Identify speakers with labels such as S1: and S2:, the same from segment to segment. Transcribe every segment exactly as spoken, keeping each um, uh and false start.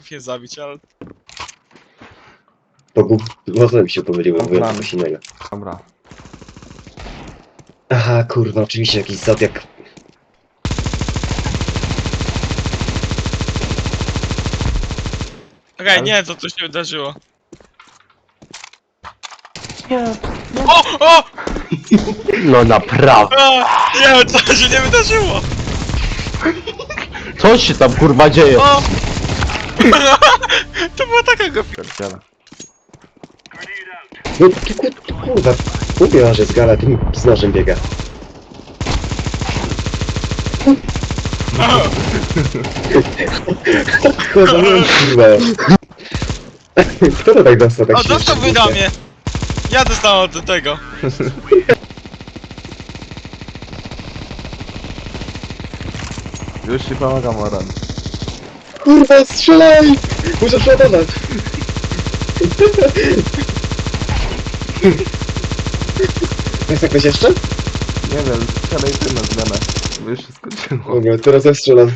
S1: Potrafię zabić, ale...
S2: Pogub... Może mi się pomyliło, mówiłem
S3: Znam.
S2: coś innego.
S3: Dobra.
S2: Aha, kurwa, oczywiście jakiś zodiak.
S1: Okej,
S3: Ale-
S1: nie, to tu się wydarzyło.
S3: Nie.
S1: O! O!
S3: No naprawdę.
S1: A, nie, to się nie wydarzyło!
S3: Co się tam kurwa dzieje?
S1: O! To była taka głupia.
S3: Pierdziele.
S2: No ty, ty, ty kurwa, mówiła, że z gala tym z nożem biega. Kurwa, no, kurwa. Kto to tak dostał tak
S1: O, dostał
S2: śmiesznie?
S1: wydamie! Ja dostałem od tego.
S3: Już ci pomagam, Oran.
S2: Kurwa, strzelaj! Muszę przeładować. Jest jakoś jeszcze?
S3: Nie wiem, strzelaj ty na zmianę. Bo już się skończyło.
S2: Dobra, teraz ja strzelam.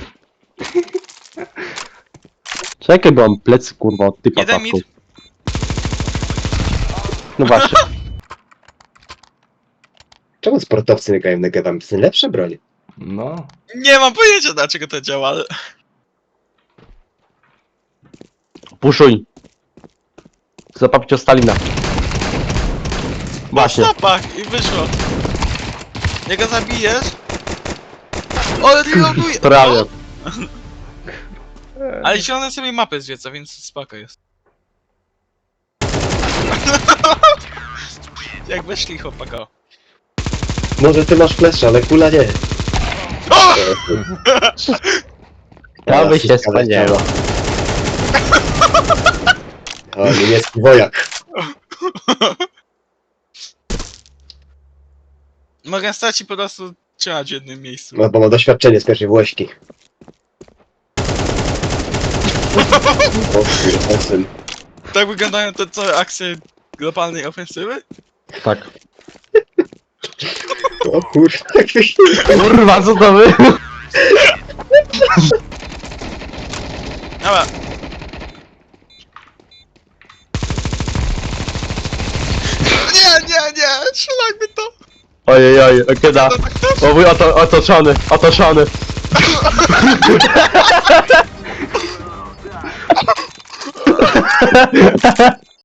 S3: Czekaj, bo mam plecy kurwa od typa
S1: Jeden
S3: tapką.
S1: mit.
S3: No właśnie.
S2: Czemu sportowcy nie grają na gewam? To są lepsze broń.
S3: No.
S1: Nie mam pojęcia dlaczego to działa, ale...
S3: Puszuj. Zapapić o Stalina. Właśnie.
S1: Na stopach i wyszło. Jak go zabijesz... O, reloaduje!
S3: Prawie.
S1: O! Ale zielone sobie mapę zwiedza, więc spoko jest. Jak weszli chłopaka.
S2: Może ty masz flesza, ale kula nie.
S1: O!
S3: Ja by się spodziewał.
S2: O, niemiecki wojak.
S1: Mogę stać i po prostu trzymać w jednym miejscu.
S2: No, bo ma doświadczenie z pierwszej Włośki. O kurwa, syn.
S1: Tak wyglądają te całe akcje globalnej ofensywy?
S3: Tak.
S2: O kurwa, jakbyś...
S3: Kurwa, co to wy?
S1: Dobra. Nie, nie, nie! Strzelajmy to!
S3: Ojej, ojej, kiedy?
S1: To tak to?
S3: O mój oto, otoczony, otoczony.